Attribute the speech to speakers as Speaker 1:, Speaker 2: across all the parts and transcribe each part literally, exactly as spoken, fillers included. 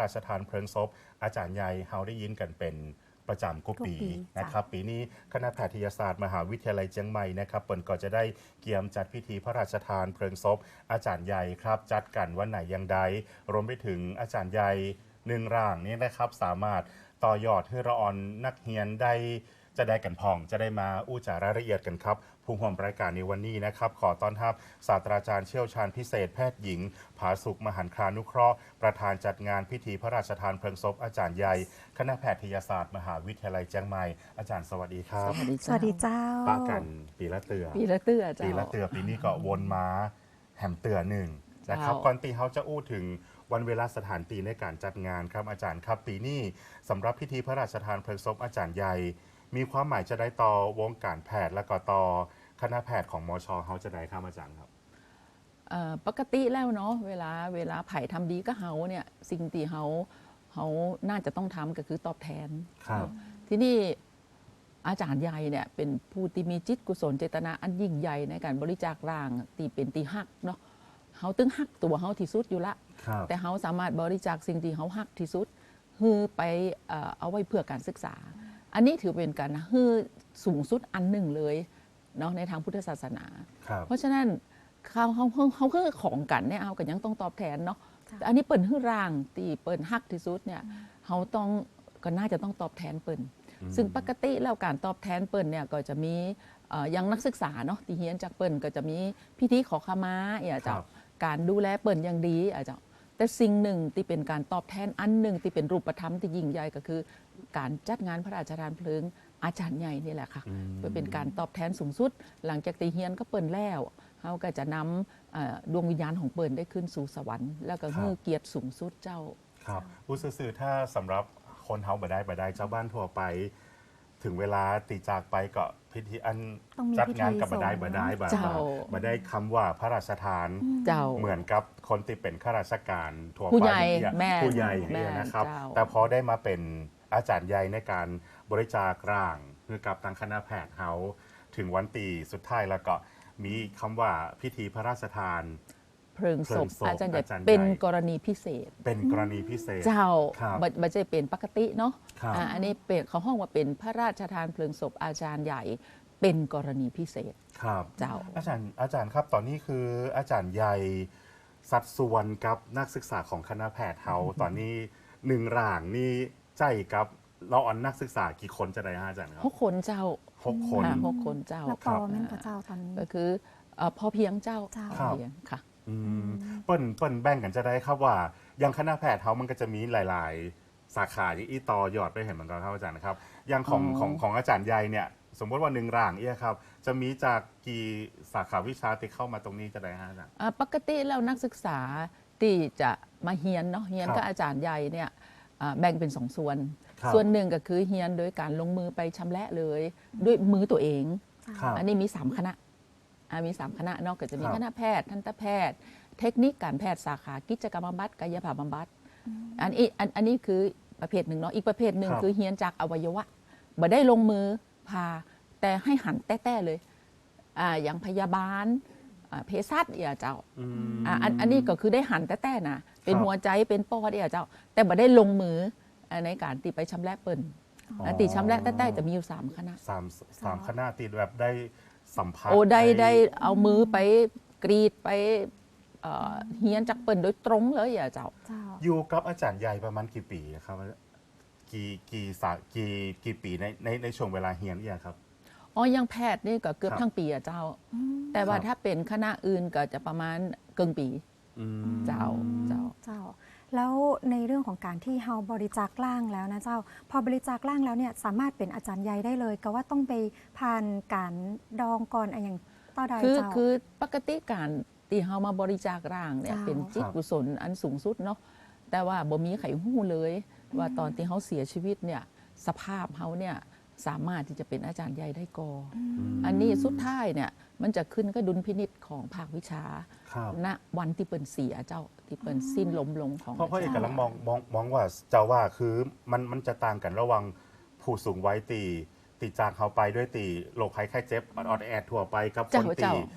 Speaker 1: ราชทานเพลิงศพอาจารย์ใหญ่เฮาได้ยินกันเป็นประจำกุปีนะครับปีนี้คณะแพทยศาสตร์มหาวิทยาลัยเชียงใหม่นะครับเปิดก็จะได้เกียมจัดพิธีพระราชทานเพลิงศพอาจารย์ใหญ่ครับจัดกันวันไหนยังใดรวมไปถึงอาจารย์ใหญ่หนึ่งร่างนี้นะครับสามารถต่อยอดให้เราออนนักเรียนได้จะได้กันพองจะได้มาอู้จารายละเอียดกันครับผู้ร่วมรายการในวันนี้นะครับขอต้อนรับศาสตราจารย์เชี่ยวชาญพิเศษแพทย์หญิงผาสุขมหันครานุเคราะห์ประธานจัดงานพิธีพระราชทานเพลิงศพอาจารย์ใหญ่คณะแพทยศาสตร์มหาวิทยาลัยเชียงใหม่อาจารย์สวัสดีครับ
Speaker 2: สวัสดีเจ้า
Speaker 1: ปะกันปีละเตือ
Speaker 2: ปีละเตือเจ้า
Speaker 1: ปีละเตือปีนี้ก็วนมาแหมเตือหนึ่งนะครับก่อนตีเขาจะอู้ถึงวันเวลาสถานตีในการจัดงานครับอาจารย์ครับปีนี้สำหรับพิธีพระราชทานเพลิงศพอาจารย์ใหญ่มีความหมายจะได้ต่อวงการแพทย์และก็ต่อคณะแพทย์ของมชเขาจะได้ครับอาจารย์ครับ
Speaker 2: ปกติแล้วเนาะเวลาเวลาไผ่ทำดีก็เฮาเนี่ยสิ่งที่เฮาเฮาน่าจะต้องทำก็คือตอบแทน
Speaker 1: ครับ
Speaker 2: ที่นี่อาจารย์ใหญ่เนี่ยเป็นผู้ที่มีจิตกุศลเจตนาอันยิ่งใหญ่ในการบริจาคร่างตีเป็นตีหักเนาะเฮาตึงหักตัวเฮาที่สุดอยู่ละแต่เฮาสามารถบริจาคสิ่งที่เฮาหักที่สุดฮือไปเอาไว้เพื่อการศึกษาอันนี้ถือเป็นการฮือสูงสุดอันหนึ่งเลยเนาะในทางพุทธศาสนาเพราะฉะนั้นเขาเขาเขาคือของกันเนี่ยเอากันยังต้องตอบแทนเนาะอันนี้เปิ่นฮือร่างตีเปิ่นหักที่สุดเนี่ยเขาต้องก็น่าจะต้องตอบแทนเปิ่นซึ่งปกติแล้วการตอบแทนเปิ่นเนี่ยก็จะมียังนักศึกษาเนาะที่เฮียนจากเปิ่นก็จะมีพิธีขอขมาอย่าจะการดูแลเปิ่นอย่างดีอาจจะแต่สิ่งหนึ่งที่เป็นการตอบแทนอันหนึ่งที่เป็นรูปธรรมที่ยิ่งใหญ่ก็คือการจัดงานพระราชทานเพลิงอาจารย์ใหญ่นี่แหละค่ะเพื่อเป็นการตอบแทนสูงสุดหลังจากตีเฮียนก็เปิ่นแล้วเขาก็จะนำดวงวิญญาณของเปิ่นได้ขึ้นสู่สวรรค์แล้วก็ฮือเกียรติสูงสุดเจ้า
Speaker 1: ครับผู้สื่อถ้าสำหรับคนเฮาบ่ได้บ่ได้เจ้าบ้านทั่วไปถึงเวลาตีจากไปก็พิธีอันจัดงานกับบ่ได้บ่ได้บ่บ่ได้คำว่าพระราชทานเหมือนกับคนที่เป็นข้าราชการทั่วไปผู้ใหญ่อย่างนี้นะครับแต่พอได้มาเป็นอาจารย์ใหญ่ในการบริจาคร่างคือกับทางคณะแพทย์เฮาถึงวันตีสุดท้ายแล้วก็มีคำว่าพิธีพระราชทาน
Speaker 2: เพลิงศพอาจารย์ใหญ่เป็นกรณีพิเศษ
Speaker 1: เป็นกรณีพิเศษ
Speaker 2: เจ้าบัจเจเป็นปกติเนาะอันนี้เป็นเขาห้องว่าเป็นพระราชทานเพลิงศพอาจารย์ใหญ่เป็นกรณีพิเศษ
Speaker 1: ครับ
Speaker 2: เจ้า
Speaker 1: อาจารย์อาจารย์ครับตอนนี้คืออาจารย์ใหญ่สัดส่วนกับนักศึกษาของคณะแพทย์เขาตอนนี้หนึ่งร่างนี่ใจกับเราอันนักศึกษากี่คนจะได้ฮะอาจารย์ครับ
Speaker 2: หกคนเจ้า
Speaker 1: หกคน
Speaker 2: หกคนเจ้า
Speaker 3: แล้วพอแม่นพระเจ้าตอนนี้
Speaker 2: ก็คือพอเพียงเจ้า
Speaker 3: พอ
Speaker 2: เพียงค่ะ
Speaker 1: เปิ้นเปิ้นแบ่งกันจะได้ครับว่าอย่างคณะแพทย์เขามันก็จะมีหลายๆสาขาที่อีต่อยอดไปเห็นเหมือนกันครับอาจารย์นะครับอย่างของของของอาจารย์ใหญ่เนี่ยสมมติว่าหนึ่งร่างเอี้ยครับจะมีจากกี่สาขาวิชาที่เข้ามาตรงนี้จะได้ฮะอาจารย์
Speaker 2: ปกติแล้วนักศึกษาที่จะมาเฮียนเนาะเฮียนกับอาจารย์ใหญ่เนี่ยแบ่งเป็นสองส่วนส่วนหนึ่งก็คือเฮียนโดยการลงมือไปชำระเลยด้วยมือตัวเองอันนี้มีสามคณะมีสามคณะนอกก็จะมีคณะแพทย์ทันตแพทย์เทคนิคการแพทย์สาขากิจกรรมบำบัดกายภาพบำบัดอันนี้อันนี้คือประเภทหนึ่งเนาะอีกประเภทหนึ่งคือเฮียนจากอวัยวะบ่ได้ลงมือพาแต่ให้หันแต้ๆเลยอ่าอย่างพยาบาลเภสัชอย่าเจ้าอ่าอันนี้ก็คือได้หันแต้ๆนะเป็นหัวใจเป็นปอดอย่าเจ้าแต่บ่ได้ลงมือในการตีไปชำระเปิ่นตีชำระแต้ๆจะมีอยู่สามคณะ
Speaker 1: สามสามคณะตีแบบได้สัมผัส
Speaker 2: โอ้ได้ได้เอามือไปกรีดไปเฮียนจากเปิ่นโดยตรงเลยอย่าเจ้า
Speaker 1: อยู่กับอาจารย์ใหญ่ประมาณกี่ปีครับกี่กี่สากี่กี่ปีในในในช่วงเวลาเฮียนเนี่ยครับ
Speaker 2: อ๋อยังแพทย์นี่ก็เกือบทั้งปีอะเจ้าแต่ว่าถ้าเป็นคณะอื่นก็จะประมาณเกินปีเจ้าเจ้า
Speaker 3: เจ้าแล้วในเรื่องของการที่เฮาบริจาคร่างแล้วนะเจ้าพอบริจาคร่างแล้วเนี่ยสามารถเป็นอาจารย์ใหญ่ได้เลยก็ว่าต้องไปผ่านการดองก่อนอะไรอย่างต่อใด
Speaker 2: เจ้า
Speaker 3: คือ
Speaker 2: คือปกติการที่เฮามาบริจาคร่างเนี่ยเป็นจิตกุศลอันสูงสุดเนาะแต่ว่าบ่มีไขหู้เลยว่าตอนที่เขาเสียชีวิตเนี่ยสภาพเขาเนี่ยสามารถที่จะเป็นอาจารย์ใหญ่ได้กออันนี้สุดท้ายเนี่ยมันจะขึ้นก็ดุลพินิจของภาควิชาณวันที่เปิ่นเสียเจ้าที่เปิ่นสิ้นล้มลงของ
Speaker 1: เพราะเพราะเอกลักษณ์มองมองมองว่าเจ้าว่าคือมันมันจะต่างกันระหว่างผู้สูงวัยตีตีจากเขาไปด้วยตีโรคภัยไข้เจ็บออดแอดทั่วไปกับคนตีป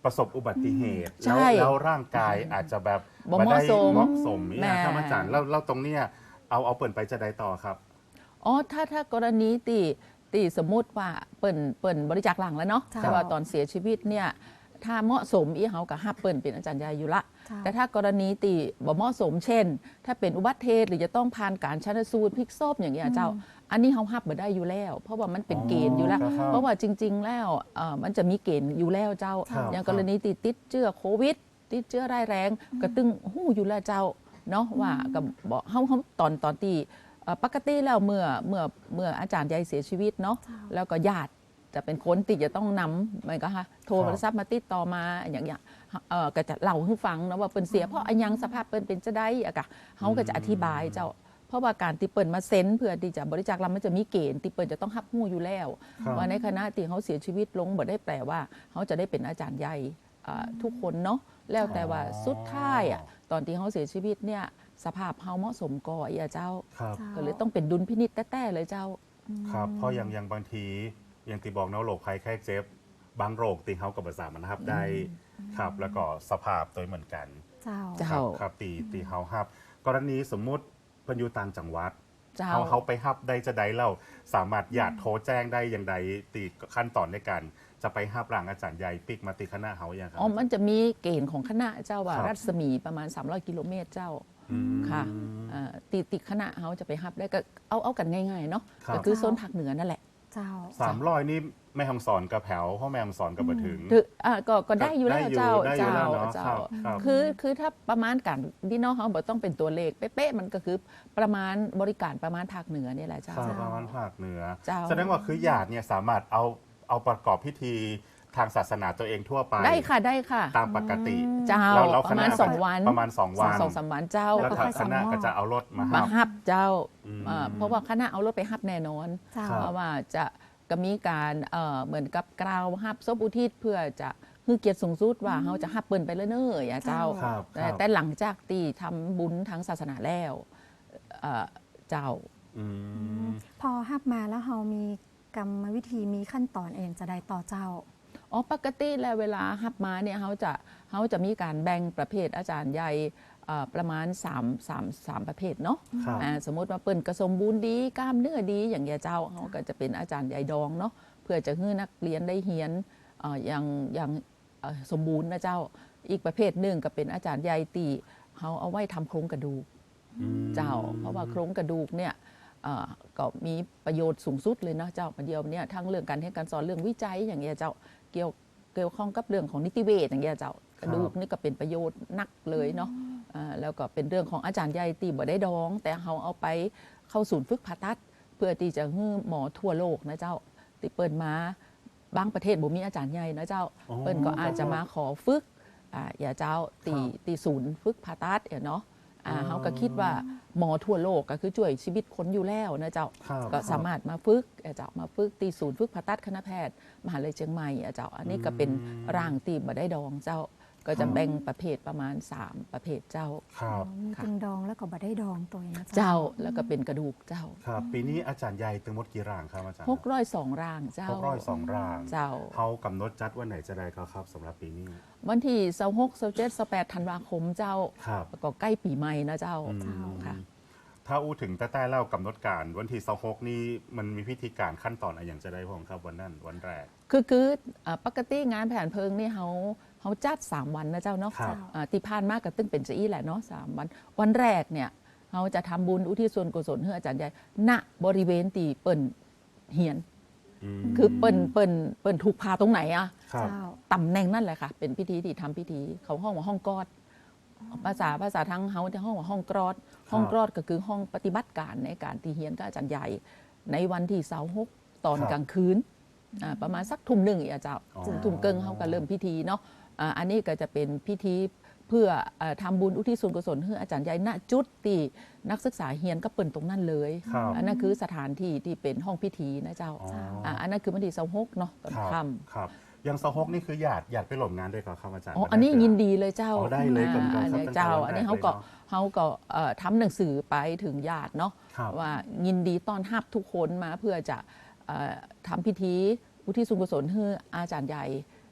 Speaker 1: ประสบอุบัติเหตุ
Speaker 2: ใช่
Speaker 1: แล้วแล้วร่างกายอาจจะแบบ
Speaker 2: บ่เหมาะสม
Speaker 1: เหมาะสม
Speaker 2: แม่
Speaker 1: เนี่ยครับอาจารย์แล้วแล้วตรงเนี้ยเอาเอาเปิดไปจะได้ต่อครับ
Speaker 2: อ๋อถ้าถ้ากรณีตีตีสมมุติว่าเปิ่นเปิ่นบริจาคหลังแล้วเนาะ
Speaker 3: เจ้า
Speaker 2: แต่ว่าตอนเสียชีวิตเนี่ยถ้าเหมาะสมอีเฮากับฮับเปิ่นเป็นอาจารย์ใหญ่อยู่ละ
Speaker 3: เจ้า
Speaker 2: แต่ถ้ากรณีตีบ่เหมาะสมเช่น ถ้าเป็นอุบัติเหตุหรือจะต้องผ่านการชันสูตรพลิกศพอย่างเงี้ยเจ้า อันนี้เฮาฮับบ่ได้อยู่แล้ว เพราะว่ามันเป็นเกณฑ์อยู่แล้ว
Speaker 1: อ๋อครับ
Speaker 2: เพราะว่าจริง ๆ แล้วเอ่อมันจะมีเกณฑ์อยู่แล้วเจ้า
Speaker 1: ครับ
Speaker 2: อย่างกรณีติดติดเชื้อโควิด ติดเชื้อร้ายแรงก็ตึงหู้อยู่แล้วเจ้าเนาะว่ากับบอกเฮาเฮาตอนตอนที่เอ่อปกติแล้วเมื่อเมื่อเมื่ออาจารย์ใหญ่เสียชีวิตเนาะ
Speaker 3: เจ้า
Speaker 2: แล้วก็ญาติจะเป็นคนติดจะต้องนำเหมือนก็ฮะโทรโทรศัพท์มาติดต่อมาอย่างเงี้ยเออก็จะเล่าให้ฟังนะว่าเปิ้นเสียเพราะอันยังสภาพเปิ้นเป็นจะได้อะกะเฮาก็จะอธิบายเจ้า เพราะว่าการที่เปิ้นมาเซ็นเพื่อที่จะบริจาคเรามันจะมีเกณฑ์ที่เปิ้นจะต้องรับหู้อยู่แล้ว
Speaker 1: ครับ
Speaker 2: ว่าในคณะที่เขาเสียชีวิตลงบ่ได้แปลว่าเขาจะได้เป็นอาจารย์ใหญ่อ่าทุกคนเนาะแล้วแต่ว่าสุดท้ายอ่ะตอนที่เขาเสียชีวิตเนี่ยสภาพเขาเหมาะสมก่ออีอะเจ้า
Speaker 1: ครับ
Speaker 3: เจ้า
Speaker 2: ก็เลยต้องเป็นดุลพินิจแต้ๆเลยเจ้า
Speaker 1: ครับเพราะอย่างอย่างบางทีอย่างที่บอกเนาะโรคภัยไข้เจ็บบางโรคตีเขากับภาษามันนะครับได้ครับแล้วก็สภาพตัวเหมือนกัน
Speaker 3: เจ้า
Speaker 2: เจ้า
Speaker 1: ครับครับตีตีเขาฮับ กรณีสมมุติเพิ่นอยู่ต่างจังหวัด
Speaker 2: เจ้า
Speaker 1: เขาเขาไปฮับได้จะได้เราสามารถหยาดโทรแจ้งได้อย่างใดตีขั้นตอนในการจะไปฮับร่างอาจารย์ใหญ่ปิกมาตีคณะเขาอย่างครับ
Speaker 2: อ๋อมันจะมีเกณฑ์ของคณะเจ้าว่า
Speaker 1: ครับ
Speaker 2: รัศมีประมาณสามร้อยกิโลเมตรเจ้า
Speaker 1: อืม
Speaker 2: ค่ะเอ่อติติคณะเขาจะไปฮับได้ก็เอาเอากันง่ายๆเนาะ
Speaker 1: ครับ
Speaker 2: ก็คือโซนภาคเหนือนั่นแหละ
Speaker 3: เจ้า
Speaker 1: สามร้อยนี่แม่ฮังสอนกับแผวเพราะแม่ฮังสอนกับบัถึง
Speaker 2: ถืออ่าก็ก็ได้อยู่แล้ว
Speaker 1: ได้อยู่
Speaker 2: เจ้า
Speaker 1: ได้อยู่
Speaker 2: เจ้า
Speaker 1: แล้วเนาะ
Speaker 2: เจ้า
Speaker 1: ครับครับ
Speaker 2: คือคือถ้าประมาณการที่น้องเขาบอกต้องเป็นตัวเลขเป๊ะๆมันก็คือประมาณบริการประมาณภาคเหนือเนี่ยแหละเจ้า
Speaker 1: ครับประมาณภาคเหนือ
Speaker 2: เจ้า
Speaker 1: แสดงว่าคือหยาดเนี่ยสามารถเอาเอาประกอบพิธีทางศาสนาตัวเองทั่วไป
Speaker 2: ได้ค่ะได้ค่ะ
Speaker 1: ตามปกติ
Speaker 2: เจ้า
Speaker 1: แล้วแล้ว
Speaker 2: ป
Speaker 1: ค
Speaker 2: ระ
Speaker 1: ณะ
Speaker 2: มาณ
Speaker 1: ก็
Speaker 2: สองวัน
Speaker 1: ประมาณสองวัน
Speaker 2: สองสามวันเจ้า
Speaker 1: แล้ว
Speaker 3: ก็
Speaker 1: ทาง
Speaker 3: ค่อย
Speaker 1: คณะ
Speaker 3: ส่งมอบ
Speaker 1: ก็จะเอารถมา
Speaker 2: มา
Speaker 1: ฮับ
Speaker 2: ฮับเจ้า
Speaker 1: อืม
Speaker 2: อ่าเพราะว่าคณะเอารถไปฮับแน่นอน
Speaker 3: เจ้า
Speaker 1: ครับ
Speaker 2: เพราะว่าจะก็มีการเอ่อเหมือนกับกล่าวฮับศพอุทิศเพื่อจะให้เกียรติสูงสุดว่าเขาจะฮับเปิ้นไปเลยเนอะอย่าเจ้า
Speaker 1: ครับ
Speaker 2: แต่
Speaker 1: ครับ
Speaker 2: แต่หลังจากที่ทำบุญทางศาสนาแล้วเอ่อเจ้า
Speaker 1: อืม
Speaker 3: พอฮับมาแล้วเฮามีกรรมวิธีมีขั้นตอนเองจะได้ต่อเจ้า
Speaker 2: อ๋อปกติแล้วเวลาฮับมาเนี่ยเขาจะเขาจะมีการแบ่งประเภทอาจารย์ใหญ่เอ่อประมาณ3 3 3ประเภทเนาะ
Speaker 1: ครับ
Speaker 2: อ่าสมมติว่าเปิ้นกระสมบูรณ์ดีกล้ามเนื้อดีอย่างเงี้ยเจ้าเขาก็จะเป็นอาจารย์ใหญ่ดองเนาะเพื่อจะให้นักเรียนได้เรียนเอ่ออย่างอย่างเอ่อสมบูรณ์นะเจ้าอีกประเภทหนึ่งก็เป็นอาจารย์ใหญ่ตีเขาเอาไว้ทำโครงกระดูก
Speaker 1: อืม
Speaker 2: เจ้า เพราะว่าโครงกระดูกเนี่ยเอ่อก็มีประโยชน์สูงสุดเลยนะเจ้าประเดียวเนี่ยทั้งเรื่องการให้การสอนเรื่องวิจัยอย่างเงี้ยเจ้าเกี่ยวเกี่ยวข้องกับเรื่องของนิติเวชอย่างเงี้ยเจ้ากระดูกนี่ก็เป็นประโยชน์นักเลยเนาะอ่าแล้วก็เป็นเรื่องของอาจารย์ใหญ่ตีบ่ได้ดอง แต่เขาเอาไปเข้าศูนย์ฝึกผ่าตัด เพื่อที่จะให้หมอทั่วโลกนะเจ้าที่เปิดมาบางประเทศบ่มีอาจารย์ใหญ่นะเจ้า
Speaker 1: อ๋อ
Speaker 2: เปิ้นก็อาจจะมาขอฝึกอ่าอย่าเจ้าตี
Speaker 1: ครับ
Speaker 2: ตีศูนย์ฝึกผ่าตัดเนาะอ่า
Speaker 1: อ๋อ
Speaker 2: เขาก็คิดว่าหมอทั่วโลกก็คือช่วยชีวิตคนอยู่แล้วนะเจ้า
Speaker 1: ครับ
Speaker 2: ก็สามารถมาฝึกอ่ะเจ้ามาฝึกตีศูนย์ฝึกผ่าตัดคณะแพทย์มหาวิทยาลัยเชียงใหม่อ่ะเจ้าอันนี้ก็เป็นร่างตีบ่ได้ดองเจ้า ก็จะแบ่งประเภทประมาณสามประเภทเจ้า
Speaker 1: ครับ
Speaker 3: มี
Speaker 2: ค่ะ
Speaker 3: เป็นดองแล้วก็บ่ได้ดองตัวเองนะ
Speaker 2: เจ้าแล้วก็เป็นกระดูกเจ้า
Speaker 1: ครับ ปีนี้อาจารย์ใหญ่ตึงหมดกี่ร่างครับอาจารย์
Speaker 2: หกร้อยสองร่างเจ้า
Speaker 1: หกร้อยสองร่าง
Speaker 2: เจ้า
Speaker 1: เขากำหนดจัดวันไหนจะได้ก็ครับสำหรับปีนี้
Speaker 2: วันที่ยี่สิบหก ยี่สิบเจ็ด ยี่สิบแปดธันวาคมเจ้า
Speaker 1: ครับ
Speaker 2: แล้วก็ใกล้ปีใหม่นะเจ้า
Speaker 1: อืม
Speaker 2: ค่ะ
Speaker 1: ถ้าอู้ถึงแต่แต่เล่ากำหนดการวันที่สองหกนี่มันมีพิธีการขั้นตอนอะไรอย่างจะได้ผมครับวันนั้นวันแรก
Speaker 2: คือคืออ่าปกติงานแผนเพลิงนี่เขาเขาจัดสามวันนะเจ้าเนาะ
Speaker 1: ครับ
Speaker 2: อ่าที่ผ่านมากกับตึ้งเป็นจะอี้แหละเนาะสามวัน วันแรกเนี่ยเขาจะทำบุญอุทิศส่วนกุศลให้อาจารย์ใหญ่ณบริเวณตีเปิ่นเฮียน
Speaker 1: อืม
Speaker 2: คือเปิ่นเปิ่นเปิ่นถูกพาตรงไหนอะ
Speaker 1: ครับ
Speaker 3: เจ้า
Speaker 2: ตำแหน่งนั่นแหละค่ะ เป็นพิธีที่ทำพิธีเขาห้องว่าห้องกอด ภาษาภาษาทางเฮาที่ห้องว่าห้องกรอด ห้องกรอดก็คือห้องปฏิบัติการในการที่เฮียนกับอาจารย์ใหญ่ ในวันที่เสาร์หกตอน
Speaker 1: ครับ
Speaker 2: กลางคืนอ่าประมาณสักทุ่มหนึ่งอ่ะเจ้า
Speaker 1: อ๋อ
Speaker 2: ทุ่มเกิงเขาก็เริ่มพิธีเนาะอ่าอันนี้ก็จะเป็นพิธีเพื่อเอ่อทำบุญอุทิศส่วนกุศลให้อาจารย์ใหญ่ณจุดที่นักศึกษาเฮียนก็เปิ่นตรงนั้นเลย
Speaker 1: ครับ
Speaker 2: อันนั้นคือสถานที่ที่เป็นห้องพิธีนะเจ้า
Speaker 1: อ๋อ
Speaker 2: อ่าอันนั้นคือวันที่เสาร์หกเนาะตอน
Speaker 1: ครับ
Speaker 2: ค่ำ
Speaker 1: ครับยังสองหกนี่คือหยาดหยาดไปหลบงานด้วยก่อนครับอาจารย์
Speaker 2: อ๋อ อันนี้ยินดีเลยเจ้า
Speaker 1: อ๋อได้เลยกำลัง
Speaker 2: อ่า
Speaker 1: ครับ
Speaker 2: เนี่ยเจ้า
Speaker 1: ตั้งแต่วัน
Speaker 2: อันนี้
Speaker 1: แรก
Speaker 2: เขาก็
Speaker 1: เลยเนอะ
Speaker 2: เขาก็เอ่อทำหนังสือไปถึงญาติเนาะ
Speaker 1: ครับ
Speaker 2: ว่ายินดีต้อนรับทุกคนมาเพื่อจะเอ่อทำพิธีอุทิศส่วนกุศลให้อาจารย์ใหญ่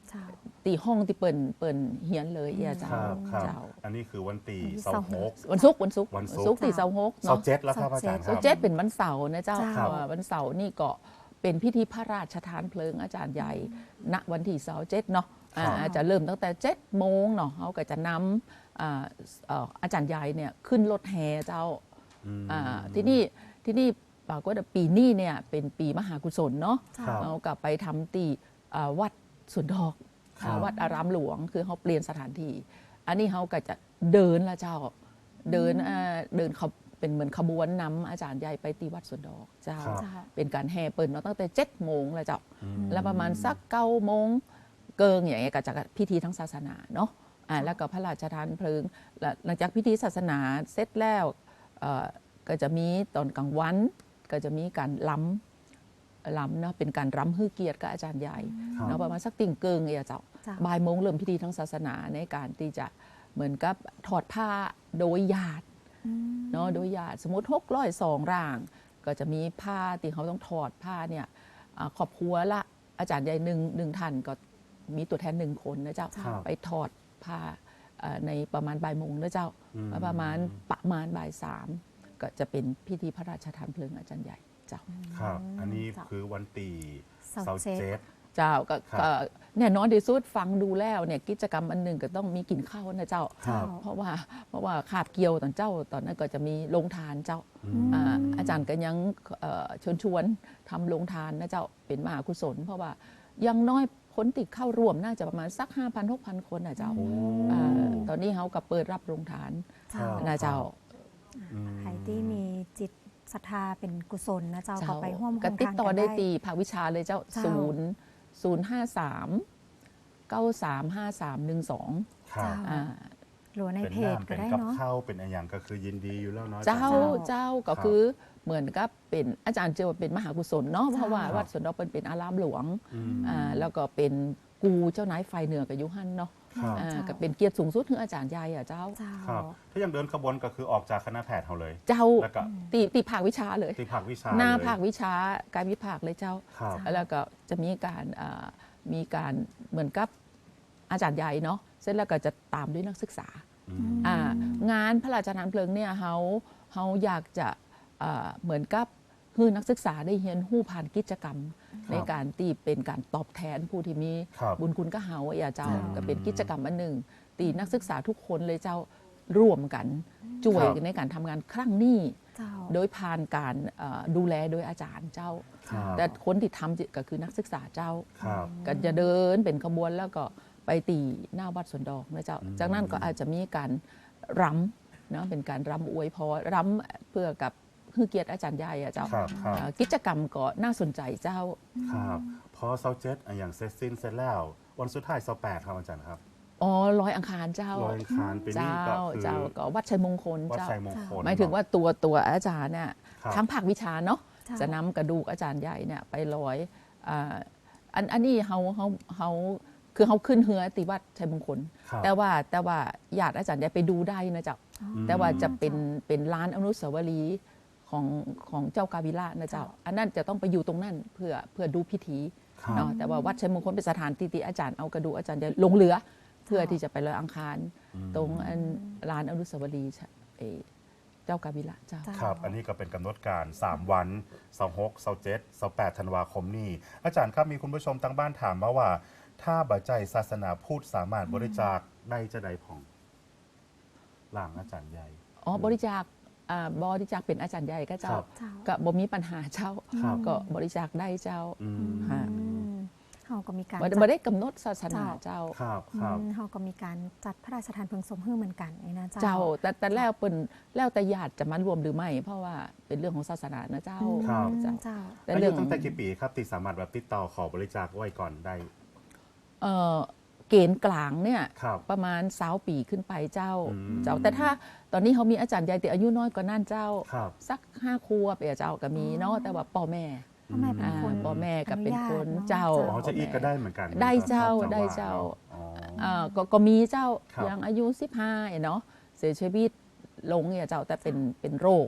Speaker 3: เจ้า
Speaker 2: ตีห้องที่เปิ่นเปิ่นเฮียนเลยเอียเจ้า
Speaker 1: ครับครับ
Speaker 2: เจ้า
Speaker 1: อันนี้คือวันตี
Speaker 3: วันที่
Speaker 1: เสาร์หก
Speaker 2: วันศุกร์วันศุกร์
Speaker 1: วันศุกร์
Speaker 2: ตีเสาร์หก
Speaker 1: เสา
Speaker 2: เนาะ
Speaker 1: ร์เจ็ดแล้วครับอาจารย์ค
Speaker 2: เสา
Speaker 1: รับ
Speaker 2: ร์เจ็ดเป็นวันเสาร์นะเจ้า
Speaker 3: เจ้า
Speaker 2: เอ่อวันเสาร์นี่ก็เป็นพิธีพระราชทานเพลิงอาจารย์ใหญ่ณวันที่เสาร์เจ็ดเนาะอ่า
Speaker 1: ครับ
Speaker 2: อาจจะเริ่มตั้งแต่เจ็ดโมงเนาะเขาก็จะนำอ่าเอ่ออาจารย์ใหญ่เนี่ยขึ้นรถแห่เจ้า
Speaker 1: อืม
Speaker 2: อ่าที่นี่ที่นี่ปรากฏว่าปีนี้เนี่ยเป็นปีมหากุศลเนาะ
Speaker 3: เจ้า
Speaker 1: ครับ
Speaker 2: เอากลับไปทำตีอ่าวัดสวนดอก
Speaker 1: ครับ
Speaker 2: อ่าวัดอารามหลวงคือเขาเปลี่ยนสถานที่อันนี้เขาก็จะเดินละเจ้าเดินอ่าเดินเขาเป็นเหมือนขบวนนำอาจารย์ใหญ่ไปตีวัดสวนดอกเจ้า
Speaker 1: ครับ
Speaker 3: เจ้า
Speaker 2: เป็นการแห่เปิดเนาะตั้งแต่เจ็ดโมงแล้วเจ้า
Speaker 1: อืม
Speaker 2: แล้วประมาณสักเก้าโมงเกิงอย่างเงี้ยก็จะพิธีทางศาสนาเนาะอ่าแล้วก็พระราชทานเพลิงแล้วหลังจากพิธีศาสนาเสร็จแล้วเอ่อก็จะมีตอนกลางวันก็จะมีการล้ำล้ำเนาะเป็นการรำฮือเกียรติกับอาจารย์ใหญ่
Speaker 1: ครับ
Speaker 2: เนาะประมาณสักติ่งเกิงเอยเจ้า
Speaker 3: เจ้า
Speaker 2: บ่ายโมงเริ่มพิธีทางศาสนาในการที่จะเหมือนกับถอดผ้าโดยญาติ
Speaker 3: อืม
Speaker 2: เนาะโดยญาติสมมติหกร้อยสองร่าง ก็จะมีผ้าที่เขาต้องถอดผ้าเนี่ยอ่าครอบครัวละอาจารย์ใหญ่หนึ่งหนึ่งท่านก็มีตัวแทนหนึ่งคนนะเจ้า
Speaker 1: ครับ
Speaker 2: ไปถอดผ้าเอ่อในประมาณบ่ายโมงนะเจ้า
Speaker 1: อืม
Speaker 2: ประมาณประมาณบ่ายสามก็จะเป็นพิธีพระราชทานเพลิงอาจารย์ใหญ่เจ้า
Speaker 1: ครับ อันนี้
Speaker 3: เจ้า
Speaker 1: คือวันตี
Speaker 3: เสาร์
Speaker 1: เสาร์
Speaker 3: เจ็ด
Speaker 1: เจ็ด
Speaker 2: เจ้าก็
Speaker 1: ครับ
Speaker 2: ก็แน่นอนที่สุดฟังดูแล้วเนี่ยกิจกรรมอันหนึ่งก็ต้องมีกินข้าวนะเจ้า
Speaker 1: ครับ
Speaker 2: เพราะว่าเพราะว่าขาบเกี่ยวตอนเจ้าตอนนั้นก็จะมีโรงทานเจ้า
Speaker 1: อืม
Speaker 2: อ่าอาจารย์ก็ยังเอ่อเชิญชวนทำโรงทานนะเจ้าเป็นมหากุศล เพราะว่าอยังน้อยคนติดเข้าร่วมน่าจะประมาณสัก ห้าพันหกพัน คนนะเจ้า
Speaker 1: โอ้
Speaker 2: อ่าตอนนี้เขาก็เปิดรับโรงทาน
Speaker 3: เจ้า
Speaker 2: นะเจ้า
Speaker 1: อืม
Speaker 3: ใครที่มีจิตศรัทธาเป็นกุศลนะเจ้า
Speaker 2: เจ้า
Speaker 3: ก็ไปร่วมโคร
Speaker 2: ก็
Speaker 3: ง
Speaker 2: ติด
Speaker 3: ทาน
Speaker 2: ต่อ
Speaker 3: กัน
Speaker 2: ได้
Speaker 3: ได้
Speaker 2: ตีภาควิชาเลยเจ้า
Speaker 3: เจ้า
Speaker 2: ศูนย์ศูนย์ห้าสามเก้าสามห้าสามหนึ่งสอง
Speaker 1: ครับ
Speaker 3: เจ้า
Speaker 2: อ่า
Speaker 3: หรือใน
Speaker 1: เป็น
Speaker 3: เพจ
Speaker 1: น้ำ
Speaker 3: ก็
Speaker 1: เป็น
Speaker 3: ได้
Speaker 1: กับ
Speaker 3: เนาะ
Speaker 1: ข้าวเป็นอะไรอย่างก็คือยินดีอยู่แล้วเนาะ
Speaker 2: เจ้า
Speaker 1: อจรย์
Speaker 2: เจ้าก็
Speaker 1: ครับ
Speaker 2: คือเหมือนกับเป็นอาจารย์เจอว่าเป็นมหากุศลเนาะเพราะว่า
Speaker 1: ครับ
Speaker 2: วัดสวนดอกเป็นเป็นอารามหลวง
Speaker 1: อืม
Speaker 2: อ่าแล้วก็เป็นกูเจ้านายไฟเหนือกับยุหันเนาะ
Speaker 1: ครับ
Speaker 2: อ่า
Speaker 3: เจ้า
Speaker 2: ก็เป็นเกียรติสูงสุดของอาจารย์ใหญ่อะเจ้า
Speaker 3: เจ้า
Speaker 1: ครับ ถ้ายังเดินขบวนก็คือออกจากคณะแพทย์เขาเลย
Speaker 2: เจ้า
Speaker 1: แล้วก็
Speaker 2: ตีตีภาควิชาเลย
Speaker 1: ที่ภาควิชา
Speaker 2: หน้า
Speaker 1: เลย
Speaker 2: ภาควิชาการวิภาคเลยเจ้า
Speaker 1: ครับ
Speaker 2: แล้วก็จะมีการอ่ามีการเหมือนกับอาจารย์ใหญ่เนาะเสร็จแล้วก็จะตามด้วยนักศึกษา
Speaker 1: อืม
Speaker 2: อ่างานพระราชทานเพลิงเนี่ยเขาเขาอยากจะอ่าเหมือนกับคือนักศึกษาได้เรียนรู้ผ่านกิจกรรม ในการตีเป็นการตอบแทนผู้ที่มี
Speaker 1: ครับ
Speaker 2: บุญคุณก็เฮาอย่าเจ้า
Speaker 1: อืม
Speaker 2: ก็เป็นกิจกรรมอันหนึ่งตีนักศึกษาทุกคนเลยเจ้าร่วมกันช่วย
Speaker 1: ครับ
Speaker 2: ในการทำงานครั้งนี้
Speaker 3: เจ้า
Speaker 2: โดยผ่านการเอ่อดูแลโดยอาจารย์เจ้า
Speaker 1: ครับ
Speaker 2: แต่คนที่ทำก็คือนักศึกษาเจ้า
Speaker 1: ครับ
Speaker 2: ก็จะเดินเป็นขบวนแล้วก็ไปตีหน้าวัดสวนดอกนะเจ้า
Speaker 1: อืม
Speaker 2: จากนั้นก็อาจจะมีการรำเนาะเป็นการรำอวยพรรำเพื่อกับคือเกียรติอาจารย์ใหญ่อะเจ้า
Speaker 1: ครับครับ
Speaker 2: เอ่อกิจกรรมก็น่าสนใจเจ้า
Speaker 1: ครับพอเสาร์เจ็ดอ่ะอย่างเสร็จสิ้นเสร็จแล้ว วันสุดท้ายเสาร์แปดครับอาจารย์ครับ
Speaker 2: อ๋อร้อยอังคารเจ้า
Speaker 1: ลอยอังคารปีนี้
Speaker 2: เจ้า
Speaker 1: ก็คือ
Speaker 2: เจ้าก็วัดชัยมงคล
Speaker 1: วัด
Speaker 2: เจ้า
Speaker 1: ชัยมงคล
Speaker 2: หมายถึงว่าตัวตัวอาจารย์เนี่ย
Speaker 1: ครับ
Speaker 2: ทั้งภาควิชาเนาะ
Speaker 3: เจ้า
Speaker 2: จะนำกระดูกอาจารย์ใหญ่เนี่ยไปลอยอ่าอันอันนี้เขาเขาเขาคือเขาขึ้นเฮือติวัดชัยมงคล
Speaker 1: ครับ
Speaker 2: แต่ว่าแต่ว่าญาติอาจารย์ใหญ่ไปดูได้นะเจ้า
Speaker 3: อ๋อ
Speaker 1: ม
Speaker 2: แต่ว่าจะเป็นเป็นร้านอนุสาวรีย์ของของเจ้ากาวิละนะเจ้า
Speaker 3: เจ้า
Speaker 2: อันนั้นจะต้องไปอยู่ตรงนั้นเพื่อเพื่อดูพิธี
Speaker 1: ครับ
Speaker 2: เนาะแต่ว่าวัดชัยมงคลเป็นสถานที่ที่อาจารย์เอากระดูกอาจารย์ใหญ่ลงเรือ เพื่อที่จะไปลอยอังคาร
Speaker 1: อืม
Speaker 2: ตรงอันร้านอนุสาวรีย์เอ่อเจ้ากาวิละเจ้า
Speaker 3: เจ้า
Speaker 1: ครับ อันนี้ก็เป็นกำหนดการ สาม วันเสาร์หกเสาร์เจ็ดเสาร์แปดธันวาคมนี้ อาจารย์ครับมีคุณผู้ชมทางบ้านถามมาว่า ถ้าบัจจัยศาสนาพูดสามารถบริจาคได้จะใดผ่องหลังอาจารย์ใหญ่
Speaker 2: อ๋อบริจาคอ่าบริจาคเป็นอาจารย์ใหญ่ก็เจ้า
Speaker 1: ครับ
Speaker 3: เจ้า
Speaker 2: ก็บ่มีปัญหาเจ้า
Speaker 1: ครับ
Speaker 2: ก็บริจาคได้เจ้า
Speaker 1: อืม
Speaker 2: ฮะ
Speaker 3: อืมเขาก็มีการ
Speaker 2: บ่ได้
Speaker 3: จัด
Speaker 2: บ่ได้กำหนดศาสนาเจ้า
Speaker 1: ครับครับ
Speaker 3: อืมเขาก็มีการจัดพระราชทานเพลิงศพให้เหมือนกันไอ้นะเจ้า
Speaker 2: เจ้าแต่แต่แล้วเป็นแล้วแต่ญาติจะมารวมหรือไม่ เพราะว่าเป็นเรื่องของศาสนานะเจ้า
Speaker 3: อืม
Speaker 1: ครับ
Speaker 2: เจ้า
Speaker 3: เจ้า
Speaker 2: แต่
Speaker 1: อา
Speaker 2: เรื่
Speaker 1: ยุ
Speaker 2: อง
Speaker 1: ตั้งแต่กี่ปีครับที่สามารถแบบติดต่อขอบริจาคไว้ก่อนได้
Speaker 2: เอ่อเกณฑ์กลางเนี่ย
Speaker 1: ครับ
Speaker 2: ประมาณสาวปีขึ้นไปเจ้า
Speaker 1: อืม
Speaker 2: เจ้าแต่ถ้าตอนนี้เขามีอาจารย์ใหญ่แต่อายุน้อยกว่านั่นเจ้า
Speaker 1: ครับ
Speaker 2: สักห้าครัวเปียเจ้าก็มีเนาะแต่ว่าพ่อแม่
Speaker 3: พ่อแม่เป็นคน
Speaker 2: อ่าพ่อแม่ก็เป็นคน
Speaker 3: อญาต
Speaker 2: เจ้า
Speaker 1: อ๋อจะอีกก็ได้เหมือนกัน
Speaker 2: ได้เจ้า
Speaker 1: ครับ
Speaker 2: ได้เจ้า
Speaker 1: อ๋อ
Speaker 2: อ่าก็ก็มีเจ้า
Speaker 1: ครับ
Speaker 2: อย่างอายุสิบห้าเนาะเสียชีวิตลงเนี่ยเจ้าแต่เป็นเป็นโรค ตี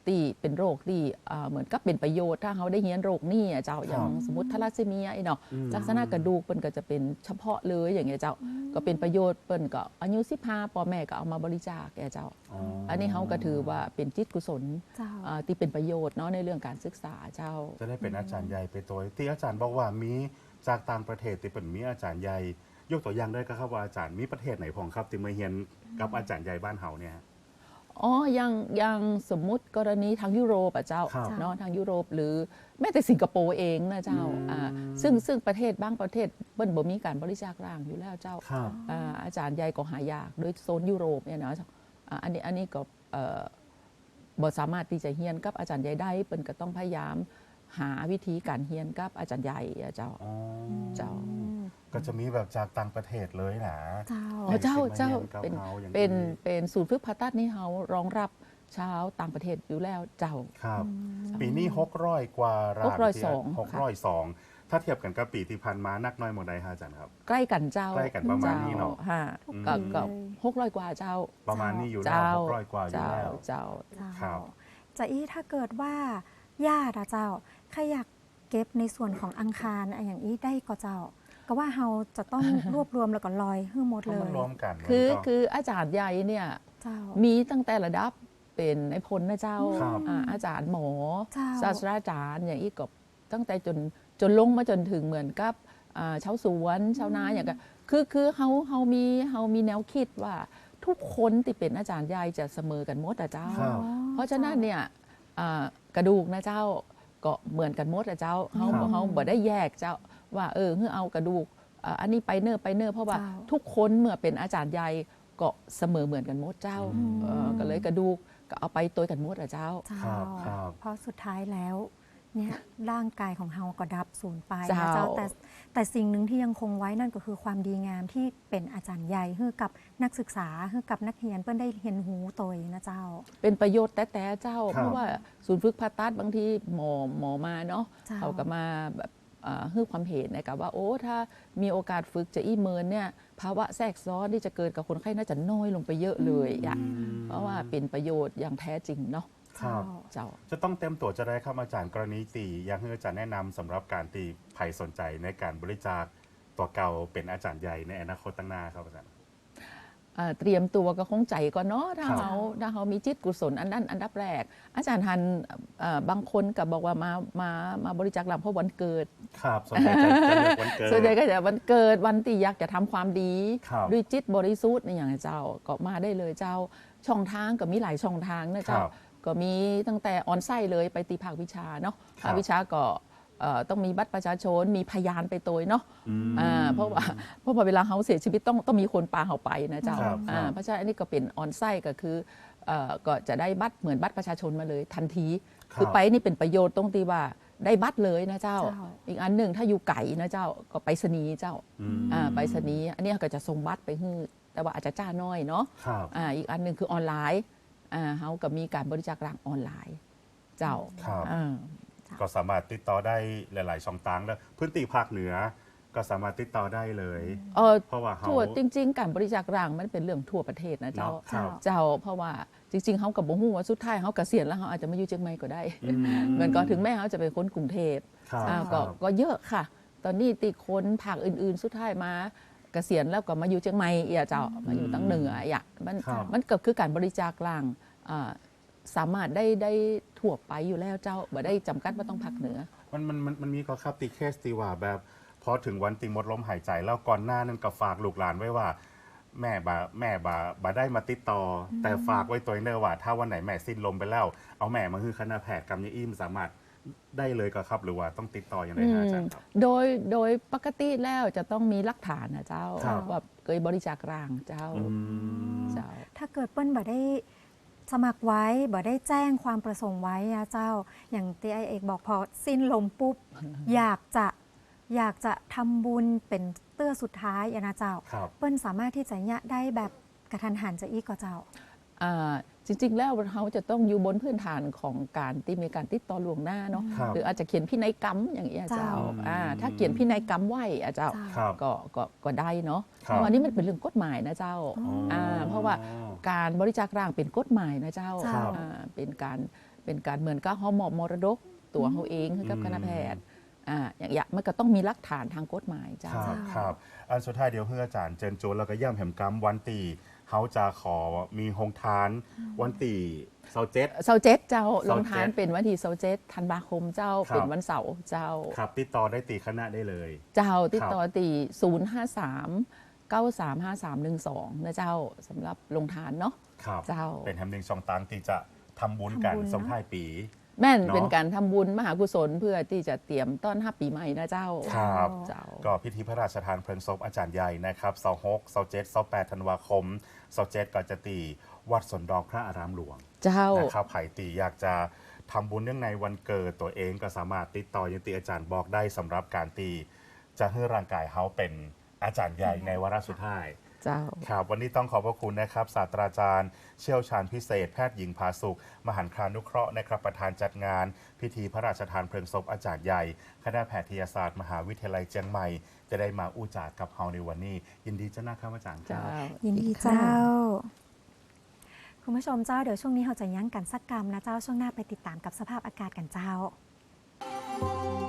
Speaker 2: ที่เป็นโรคที่อ่าเหมือนกับเป็นประโยชน์ถ้าเขาได้เรียนโรคนี่อะเจ้าอย่างสมมติทาลัสซีเมียไอ้เนาะ
Speaker 1: อืม
Speaker 2: ลักษณะกระดูกเปิ้นก็จะเป็นเฉพาะเลยอย่างเงี้ยเจ้าก็เป็นประโยชน์เปิ้นก็อายุสิบห้าพ่อแม่ก็เอามาบริจาคแกเจ้า
Speaker 1: อ๋อ
Speaker 2: อันนี้เขาก็ถือว่าเป็นจิตกุศล
Speaker 3: เจ้า
Speaker 2: อ่าที่เป็นประโยชน์เนาะในเรื่องการศึกษาเจ้า
Speaker 1: จะได้เป็นอาจารย์ใหญ่ไปตัวที่อาจารย์บอกว่ามีจากต่างประเทศที่เป็นมีอาจารย์ใหญ่ยกตัวอย่างได้ก็ครับว่าอาจารย์มีประเทศไหนของครับที่มาเรียนกับอาจารย์ใหญ่บ้านเฮาเนี่ย
Speaker 2: อ๋อยังยังสมมุติกรณีทางยุโรปอะเจ้า
Speaker 1: ครับ
Speaker 2: เนาะทางยุโรปหรือแม้แต่สิงคโปร์เองนะเจ้า
Speaker 1: อืม
Speaker 2: อ่าซึ่งซึ่งประเทศบางประเทศเปิ้นบ่มีการบริจาคร่างอยู่แล้วเจ้า
Speaker 1: ครับ
Speaker 2: อ่าอาจารย์ใหญ่ก็หายากโดยโซนยุโรปเนี่ยนะอ่าอันนี้อันนี้ก็เอ่อบ่สามารถที่จะเฮียนกับอาจารย์ใหญ่ได้เปิ้นก็ต้องพยายามหาวิธีการเฮียนกับอาจารย์ใหญ่อะเจ้า
Speaker 1: อ๋อ
Speaker 2: เจ้า
Speaker 1: ก็จะมีแบบจากต่างประเทศเลยนะ
Speaker 3: เจ้า
Speaker 2: อ๋อเจ้าเจ้า
Speaker 1: เป็
Speaker 2: เป็น น
Speaker 1: เฮาอย่าง
Speaker 2: เป็นเป็นศูนย์ฝึกผ่าตัดนี่เขารองรับชาวต่างประเทศอยู่แล้วเจ้า
Speaker 1: ครับ ปีนี้หกร้อยกว่าร้าน
Speaker 2: หกร้อยสอง
Speaker 1: หกร้อยสองถ้าเทียบกันกับปีที่ผ่านมานักน้อยหมดใดฮะอาจารย์ครับ
Speaker 2: ใกล้กันเจ้า
Speaker 1: ใกล้กันประมาณนี้เนาะ
Speaker 2: ฮะ
Speaker 3: ทุก
Speaker 2: ก็
Speaker 3: ปี
Speaker 2: ก็
Speaker 3: เลย
Speaker 2: หกร้อยกว่าเจ้า
Speaker 1: ประมาณนี้อยู่แล้ว
Speaker 2: เจ้า
Speaker 1: หกร้อยกว่าอยู่
Speaker 2: เจ้า
Speaker 1: แล้ว
Speaker 2: เจ้า
Speaker 3: เจ้า
Speaker 1: ครับ
Speaker 3: จะอี้ถ้าเกิดว่าญาติอะเจ้าใครอยากเก็บในส่วนของอังคารอะอย่างนี้ได้ก็เจ้า ก็ว่าเราจะต้อง รวบรวมแล้วก็ลอยให้หมด
Speaker 1: ก็
Speaker 3: เล
Speaker 1: มัน
Speaker 3: ย
Speaker 1: รวมกัน
Speaker 2: คือ
Speaker 1: มันก็
Speaker 2: คืออาจารย์ใหญ่เนี่ย
Speaker 3: เจ้า
Speaker 2: มีตั้งแต่ระดับเป็นไอพลนะเจ้า
Speaker 1: ครับ
Speaker 2: อ่าอาจารย์หมอ
Speaker 3: เจ้า
Speaker 2: ศาสตราจารย์อย่างอีกก็ตั้งแต่จนจนลงมาจนถึงเหมือนกับอ่าชาวสวนชาวนาอย่างก็คือคือเฮาเฮามีเฮามีแนวคิดว่าทุกคนที่เป็นอาจารย์ใหญ่จะเสมอกันหมดอะเจ้า
Speaker 1: ครับ
Speaker 2: เพราะฉะนั้นเนี่ยอ่ากระดูกนะเจ้าก็เหมือนกันหมดอะเจ้าเฮา
Speaker 1: ครับ
Speaker 2: เฮาบ่ได้แยกเจ้าว่าเออเฮือเอากระดูกอ่าอันนี้ไปเนอร์ไปเนอร์เพราะว่า
Speaker 3: เจ้า
Speaker 2: ทุกคนเมื่อเป็นอาจารย์ใหญ่ก็เสมอเหมือนกันหมดเจ้า
Speaker 1: อืม
Speaker 2: เอ่อก็เลยกระดูกก็เอาไปตัวกันหมดอะเจ้า
Speaker 3: เจ้า
Speaker 1: ครับครับ
Speaker 3: เพราะสุดท้ายแล้วเนี่ยร่างกายของเฮาก็ดับสูญไปนะ
Speaker 2: เจ้า
Speaker 3: เจ้าแต่แต่สิ่งหนึ่งที่ยังคงไว้นั่นก็คือความดีงามที่เป็นอาจารย์ใหญ่ให้กับนักศึกษาให้กับนักเรียนเพื่อนได้เรียนหูโตยนะเจ้า
Speaker 2: เป็นประโยชน์แต่แต่เจ้า
Speaker 1: ครับ
Speaker 2: เพราะว่าศูนย์ฝึกผ่าตัดบางทีหมอหมอมาเนาะ
Speaker 3: เจ้า
Speaker 2: เขาก็มาแบบอ่าให้ความเห็นนะครับว่าโอ้ถ้ามีโอกาสฝึกจะอีเมินเนี่ยภาวะแทรกซ้อนที่จะเกิดกับคนไข้น่าจะน้อยลงไปเยอะเลยอะ
Speaker 1: อืม
Speaker 2: เพราะว่าเป็นประโยชน์อย่างแท้จริงเนาะ
Speaker 1: ครับ
Speaker 2: เจ้า
Speaker 1: จะต้องเต็มตัวจะได้ครับอาจารย์กรณีตีอยากให้อาจารย์แนะนำสำหรับการตีใครสนใจในการบริจาคตัวเก่าเป็นอาจารย์ใหญ่ในอนาคตตั้งหน้าครับอาจารย์
Speaker 2: อ่าเตรียมตัวก็คงใจก่อนเนาะถ้า
Speaker 1: ครับ
Speaker 2: เขาถ้าเขามีจิตกุศลอันนั้นอันดับแรก อาจารย์ฮันเอ่อบางคนก็บอกว่ามามามาบริจาคลำเพราะวันเกิด
Speaker 1: ครับส่วนใหญ่จะจะเลือกวันเกิด
Speaker 2: ส่วนใหญ่ก็จะวันเกิดวันที่อยากจะทำความดี
Speaker 1: ครับ
Speaker 2: ด้วยจิตบริสุทธิ์ในอย่างเจ้าก็มาได้เลยเจ้าช่องทางก็มีหลายช่องทางนะเจ้า
Speaker 1: ครับ
Speaker 2: ก็มีตั้งแต่ออนไซต์เลยไปตีภาควิชาเนาะ
Speaker 1: ครับ
Speaker 2: ภาควิชาก็เอ่อต้องมีบัตรประชาชนมีพยานไปตัวเนาะ
Speaker 1: อืม
Speaker 2: อ่าเพราะว่าเพราะว่าเวลาเขาเสียชีวิตต้องต้องมีคนปาเขาไปนะเจ้า
Speaker 1: ครับ
Speaker 2: อ่า
Speaker 1: ครับ
Speaker 2: เพราะฉะนั้นอันนี้ก็เป็นออนไซต์ก็คือเอ่อก็จะได้บัตรเหมือนบัตรประชาชนมาเลยทันที คือไปนี่เป็นประโยชน์ตรงที่ว่าได้บัตรเลยนะเจ้า
Speaker 3: เจ้า
Speaker 2: อีกอันหนึ่งถ้าอยู่ไก่นะเจ้าก็ไปรษณีย์เจ้า
Speaker 1: อืม
Speaker 2: อ่าไปรษณีย์อันนี้ก็จะส่งบัตรไปให้แต่ว่าอาจจะจ้าน้อยเนาะ
Speaker 1: ครับ
Speaker 2: อ่าอีกอันหนึ่งคือออนไลน์อ่าเขาก็มีการบริจาคร่างออนไลน์ เจ้า
Speaker 1: ครับ
Speaker 2: อ่า
Speaker 1: ก็สามารถติดต่อได้หลาย ๆ ช่องทางแล้วพื้นที่ภาคเหนือก็สามารถติดต่อได้เลย
Speaker 2: เออ
Speaker 1: เพราะว่าเขา
Speaker 2: ทั่วจริง ๆ การบริจาคร่างมันเป็นเรื่องทั่วประเทศนะเจ้า
Speaker 1: เนาะครับ
Speaker 2: เจ้าเพราะว่าจริง ๆเขากับบ่ฮู้ว่าสุดท้ายเขาเกษียณแล้วเขาอาจจะมาอยู่เชียงใหม่ก็ได้
Speaker 1: อืม
Speaker 2: เหมือนก็ถึงแม้เขาจะเป็นคนกรุงเทพ
Speaker 1: ครับ
Speaker 2: อ่า
Speaker 1: ค
Speaker 2: ก็
Speaker 1: รับ
Speaker 2: ก็เยอะค่ะ ตอนนี้ติคนภาคอื่น ๆ สุดท้ายมาเกษียณแล้วก็มาอยู่เชียงใหม่เอียเจ้ามาอยู่ตั้งเหนืออ่ะมัน
Speaker 1: ครับ
Speaker 2: มันก็คือการบริจาคร่างอ่าสามารถได้ได้ทั่วไปอยู่แล้วเจ้าบ่ได้จำกัดว่าต้องภาคเหนือ
Speaker 1: มันมันมันมันมีก็ครับตีเคสตีว่าแบบพอถึงวันติงหมดลมหายใจแล้วก่อนหน้านั้นก็ฝากลูกหลานไว้ว่า แม่บาแม่บาบาได้มาติดต่ออแต่ฝากไว้ตัวเนอร์ว่า ถ้าวันไหนแม่สิ้นลมไปแล้ว เอาแม่มาคือคณะแพทย์กำยอิ่มสามารถได้เลยก็ครับ หรือว่าต้องติดต่ออย่างไรฮะอาจารย์ครับ
Speaker 2: โดยโดยปกติแล้วจะต้องมีหลักฐานนะเจ้า
Speaker 1: ครับ
Speaker 2: ว่าเคยบริจาคร่างเจ้า
Speaker 1: อืม
Speaker 2: เจ้า
Speaker 3: ถ้าเกิดเปิ้ลบ่ได้สมัครไว้บ่ได้แจ้งความประสงค์ไว้อะเจ้า อย่างที่ไอเอกบอกพอสิ้นลมปุ๊บ อยากจะอยากจะทำบุญเป็นเตื้อสุดท้ายอะนะเจ้า
Speaker 1: ครับ
Speaker 3: เปิ้ลสามารถที่จะยะได้แบบกระทันหันจะอีกก็เจ้า
Speaker 2: อ่าจริง ๆ แล้วเขาจะต้องอยู่บนพื้นฐานของการที่มีการติดต่อล่วงหน้าเนาะ
Speaker 1: ครับ
Speaker 2: หรืออาจจะเขียนพินัยกรรมอย่างเงี้ยเจ้า
Speaker 3: เจ้า
Speaker 2: อ่าถ้าเขียนพินัยกรรมไว้อะเจ้า
Speaker 3: เจ้า
Speaker 1: ครับ
Speaker 2: ก็ก็ก็ได้เนาะ
Speaker 1: ครับ
Speaker 2: เพราะอันนี้มันเป็นเรื่องกฎหมายนะเจ้า
Speaker 3: อ๋อ
Speaker 2: อ่าเพราะว่าการบริจาคร่างเป็นกฎหมายนะเจ้า
Speaker 3: เจ้า
Speaker 2: อ่าเป็นการเปเป็นการเหมือนกับเฮามอบมรดกตัวเฮาเองให้กับคณะแพทย์อ่าอย่างอย่างมันก็ต้องมีหลักฐานทางกฎหมายเจ้า
Speaker 1: ครับครับอันสุดท้ายเดี๋ยวเพื่ออาจารย์เจิญโจนแล้วก็ย่ำแหมกำวันตีเขาจะขอมีโฮงทานวันตีเสาร์เจ็ด
Speaker 2: เสาร์เจ็ดเจ้า
Speaker 1: เสา
Speaker 2: ล
Speaker 1: ร์
Speaker 2: งทาน
Speaker 1: เจ็ด
Speaker 2: เป็นวันที่เสาร์เจ็ดธันวาคมเจ้า
Speaker 1: ครับ
Speaker 2: เป็นวันเสาร์เจ้า
Speaker 1: ครับติดต่อได้ตีคณะได้เลย
Speaker 2: เจ้าติด
Speaker 1: ครับ
Speaker 2: ต่อตีศูนย์ห้าสามเก้าสามห้าสามหนึ่งสองนะเจ้าสำหรับลงทานเนาะ
Speaker 1: ครับ
Speaker 2: เจ้า
Speaker 1: เป็นแฮมหนึ่งช่องตังที่จะทำบุญกัน
Speaker 3: ทำบุญเนอะ
Speaker 1: ส่งท้ายปี
Speaker 2: แม่น
Speaker 1: เนาะ
Speaker 2: เป็นการทำบุญมหากุศลเพื่อที่จะเตรียมต้อนรับปีใหม่นะเจ้า
Speaker 1: ครับ
Speaker 2: เจ้า
Speaker 1: ก็พิธีพระราชทานเพลิงศพอาจารย์ใหญ่นะครับเสาร์หกเสาร์เจ็ดเสาร์แปดธันวาคมเสาร์เจ็ดก็จะตีวัดสนดอกพระอารามหลวง
Speaker 2: เจ้า
Speaker 1: นะครับไผ่ตีอยากจะทำบุญเนื่องในวันเกิดตัวเองก็สามารถติดต่อยังตีอาจารย์บอกได้สำหรับการตีจะให้ร่างกายเขาเป็นอาจารย์ใหญ่ในวาระสุดท้าย
Speaker 2: เจ้า
Speaker 1: ครับวันนี้ต้องขอบพระคุณนะครับศาสตราจารย์ เชี่ยวชาญพิเศษ แพทย์หญิงภาสุข มหันต์ครานุเคราะห์นะครับประธานจัดงาน พิธีพระราชทานเพลิงศพอาจารย์ใหญ่ คณะแพทยศาสตร์ มหาวิทยาลัยเชียงใหม่ จะได้มาอู้จากับเฮาในวันนี้ ยินดีเจ้านะครับอาจารย์ค
Speaker 2: เจ้า
Speaker 1: รับ
Speaker 3: ยินดีเจ้า คุณผู้ชมเจ้าเดี๋ยวช่วงนี้เราจะยั้งกันสักกรรมนะเจ้าช่วงหน้าไปติดตามกับสภาพอากาศกันเจ้า